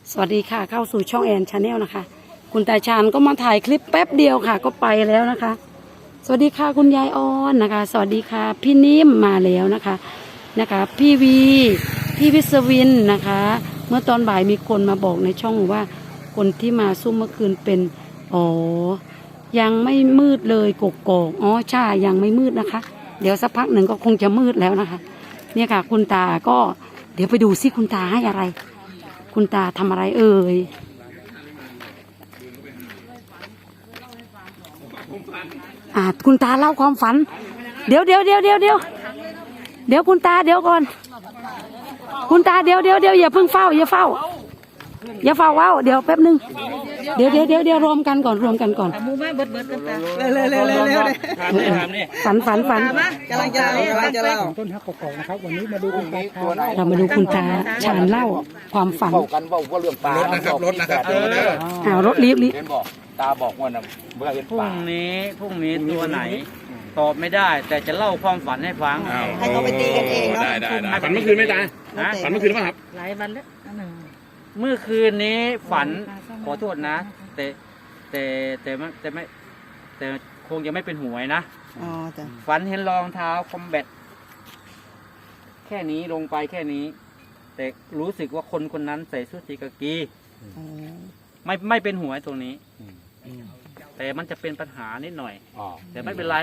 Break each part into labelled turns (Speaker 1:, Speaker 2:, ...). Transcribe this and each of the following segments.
Speaker 1: สวัสดีค่ะเข้าสู่ช่องแอนชาแนลนะคะคุณตาชาญก็มาถ่ายคลิปแป๊บเดียวค่ะก็ไปแล้วนะคะสวัสดีค่ะคุณยายออนนะคะสวัสดีค่ะพี่นิ่มมาแล้วนะคะพี่วีพี่วิศวินนะคะเมื่อตอนบ่ายมีคนมาบอกในช่องว่าคนที่มาซุ่มเมื่อคืนเป็นยังไม่มืดเลยกกอกใช่ยังไม่มืดนะคะเดี๋ยวสักพักหนึ่งก็คงจะมืดแล้วนะคะเนี่ยค่ะคุณตาก็เดี๋ยวไปดูซิคุณตาให้อะไรคุณตาทำอะไรเอ่ยคุณตาเล่าความฝันเดี๋ยวคุณตาเดี๋ยวก่อนคุณตาเดี๋ยวอย่าเพิ่งเฝ้าอย่าเฝ้าว้าวเดี๋ยวแป๊บนึงเดี๋ยวรวมกันก่อนมูมาเบิดกันตาฝันกำลังจะเล่าต้นฮักกอกนะครับวันนี้มาดูคุณตาเรามาดูคุณตาชาญเล่าความฝัน
Speaker 2: กันว่าเรื่องปลารถนะครับ
Speaker 1: รถรีบ
Speaker 2: ตาบอกว่าเมื่อเห็นปลา
Speaker 3: พรุ่งนี้ตัวไหนตอบไม่ได้แต่จะเล่าความฝันให้ฟัง
Speaker 4: ให้เขาไปตีกันเองเนาะ
Speaker 2: ได้ฝันเมื่อคืนไหมตาฝันเมื่อคืนป่ะครับ
Speaker 3: หลายวันแล้วเมื่อคืนนี้ฝันขอโทษนะแต่คงจะไม่เป็นหวยนะฝันเห็นรองเท้าคอมแบทแค่นี้ลงไปแค่นี้แต่รู้สึกว่าคนนั้นใส่ชุดสีกากีไม่เป็นหวยตรงนี้แต่มันจะเป็นปัญหานิดหน่อยแต่ไม่เป็นไร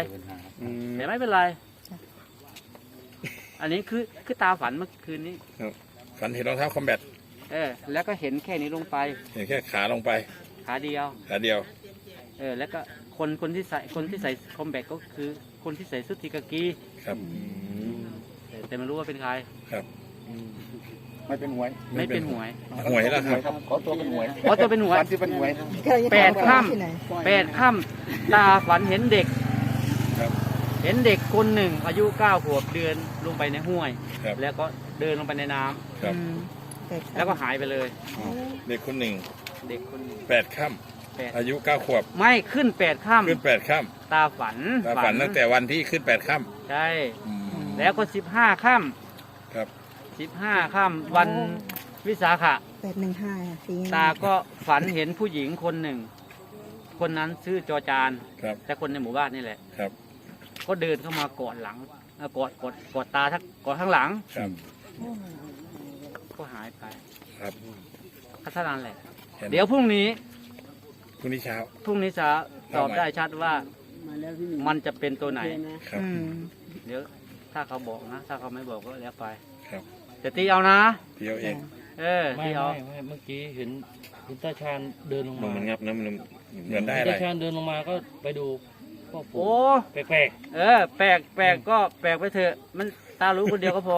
Speaker 3: อันนี้คือตาฝันเมื่อคืนนี้
Speaker 2: ฝันเห็นรองเท้าคอมแบท
Speaker 3: แล้วก็เห็นแค่นี้ลงไป
Speaker 2: เห็นแค่ขาลงไป
Speaker 3: ขาเดียวแล้วก็คนที่ใส่คอมแบทก็คือคนที่ใส่ชุดทีกากี
Speaker 2: ครับ
Speaker 3: แต่ไม่รู้ว่าเป็นใคร
Speaker 2: ครับไม่เป็นหวย
Speaker 3: แล้ว
Speaker 2: ครับขอตัวเป็นหวย
Speaker 3: ที่เป็นหวย8 ค่ำตาฝันเห็นเด็กคนหนึ่งอายุ9 ขวบเดินลงไปในห้วยแล้วก็เดินลงไปในน้ำแล้วก็หายไปเลย
Speaker 2: เด็กคนหนึ่ง8 ค่ำอายุ9 ขวบ
Speaker 3: ไม่ขึ้น8 ค่
Speaker 2: ำ
Speaker 3: ตาฝัน
Speaker 2: ตั้งแต่วันที่ขึ้น8 ค่ำ
Speaker 3: ใช่แล้วก็15 ค่ำ
Speaker 2: ครับ
Speaker 3: 15 ค่ำวันวิสาขะ
Speaker 4: 815
Speaker 3: ตาก็ฝันเห็นผู้หญิงคนหนึ่งคนนั้นชื่อจอจานแต่คนในหมู่บ้านนี่แหละ
Speaker 2: ครับ
Speaker 3: ก็เดินเข้ามากอดหลังกอดตากอดข้างหลังก็หายไป
Speaker 2: ครับ
Speaker 3: เท่านั้นแหละเดี๋ยวพรุ่งนี้
Speaker 2: เช้า
Speaker 3: จะตอบได้ชัดว่ามันจะเป็นตัวไหน
Speaker 2: ครับ
Speaker 3: เดี๋ยวถ้าเขาบอกนะถ้าเขาไม่บอกก็แล้วไป
Speaker 2: ครับ
Speaker 3: จะตีเอานะ
Speaker 2: ตีเอาเอง
Speaker 3: ตีเอา
Speaker 5: เมื่อกี้เห็นคุณตาชาญเดินลงมา
Speaker 2: มันงับนะมันเหมือนได้อะไร
Speaker 5: ตาชาญเดินลงมาก็ไปดู
Speaker 3: โอ้
Speaker 5: แปลก
Speaker 3: แปลกก็แปลกไปเถอะมันตารู้คนเดียวก็พอ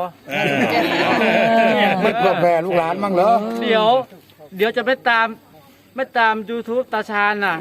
Speaker 2: มันก็แปลลูกหลานมั่งเหรอ
Speaker 3: เดี๋ยวจะไม่ตามYouTube ตาชาญน่ะ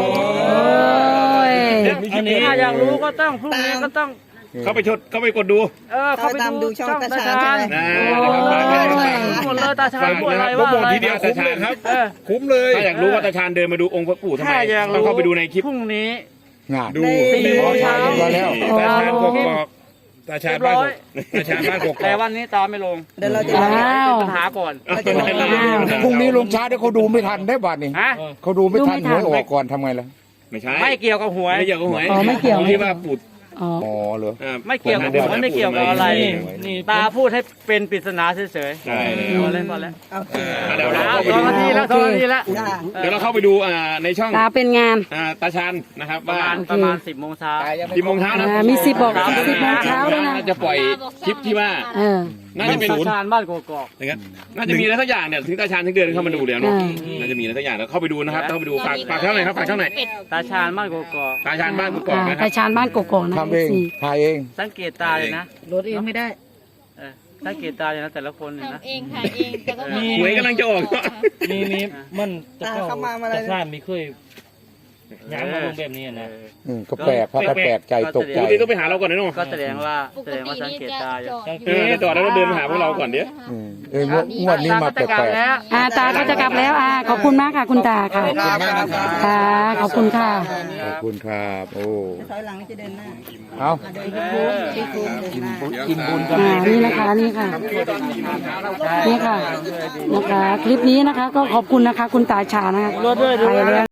Speaker 3: ถ้าอยากรู้ก็ต้องพรุ่งนี้ก็ต้อง
Speaker 2: เข้าไปกดดู
Speaker 3: เข้าไปดูช่องตาชาญหมดเลยตาชาญพูดอะไรว่าอะไร
Speaker 2: ทีเดียวคุ้มเลยครับคุ้มเลยถ้าอยากรู้ว่าตาชาญเดินมาดูองค์พระปู่ทำไมต้องเข้าไปดูในคลิป
Speaker 3: พรุ่งนี้
Speaker 2: ดู
Speaker 3: 4 โมงเช้า
Speaker 2: ตาชาญกอกตาชาญบ้านกอก
Speaker 3: แต่วันนี้ตาไม่ลง
Speaker 4: เดี๋ยวเราจะ
Speaker 3: ปัญหาก่อน
Speaker 6: พรุ่งนี้ลงช้าเดี๋ยวเขาดูไม่ทันได้บัดนี้เขาดูไม่ทันหวยออกก่อนทำไงล่ะ
Speaker 3: ไม่เกี่ยวกับหวย
Speaker 1: ไม่เกี่ยว
Speaker 2: ที่ว่าปู่
Speaker 6: อ๋อเหรอ
Speaker 3: ไม่เกี่ยวกับผมไม่เกี่ยวกับอะไรตาพูดให้เป็นปริศนาเฉย
Speaker 2: ๆใช่
Speaker 3: เล่นบอลแล้ว
Speaker 2: เดี๋ยวเรา
Speaker 3: 2 นาทีแล้ว
Speaker 2: เดี๋ยวเราเข้าไปดูในช่อง
Speaker 1: ตาเป็นงาน
Speaker 2: ตาชาญนะครับ
Speaker 3: ประมาณ10 โมงเช้า
Speaker 2: 10 โมงเช้านะ
Speaker 1: มี10 บอก10 โมงเช้าด้วยนะ
Speaker 2: จะปล่อยคลิปที่ว่าน่าจะเป็น
Speaker 3: ตาชาญบ้านกอก
Speaker 2: อย่างนั้นน่าจะมีอะไรสักอย่างเนี่ยถึงตาชาญถึงเดินเข้ามาดูแล้วเนาะน่าจะมีอะไรสักอย่างแล้วเข้าไปดูนะครับเข้าไปดูฝากช่องไหนครับฝากช่องไหน
Speaker 3: ตาชาญบ้านกอก
Speaker 2: ตาชาญบ้านกอก
Speaker 1: ตาชาญบ้านกอกนะ
Speaker 6: ทำเองถ่ายเอง
Speaker 3: สังเกตตาเลยนะ
Speaker 4: รถเองไม่ได้
Speaker 3: สังเกตตาเลยนะแต่ละคนเนี่ยนะ
Speaker 7: ทำเองถ่ายเองแต่ก็
Speaker 2: หวยกำลังจะออก
Speaker 5: มีมันจะเข้าจะสร้างมีเคยย้ำมาลงแบบนี้นะ
Speaker 6: ก็แปลกแปลกใจตกใจ
Speaker 2: ต้องไปหาเราก่อนนะน้อง
Speaker 3: ก็แสดงว่าสังเกตตา
Speaker 2: จอดแล้วเดินมาหาพวกเราก่อนเดี๋ยว
Speaker 6: งวดนี้มาแปลก
Speaker 1: ตาก็จะกลับแล้วขอบคุณมากค่ะคุณตาค่ะขอบคุณค่ะ
Speaker 6: ขอบคุณครับโอ้
Speaker 4: ถอยหลังจะเดินหน้า
Speaker 6: เอา
Speaker 3: กินบุญกัน
Speaker 1: นี่นะคะนี่ค่ะนี่ค่ะนะคะ คลิปนี้นะคะ ก็ขอบคุณนะคะ คุณตาชานะคะไปแล้ว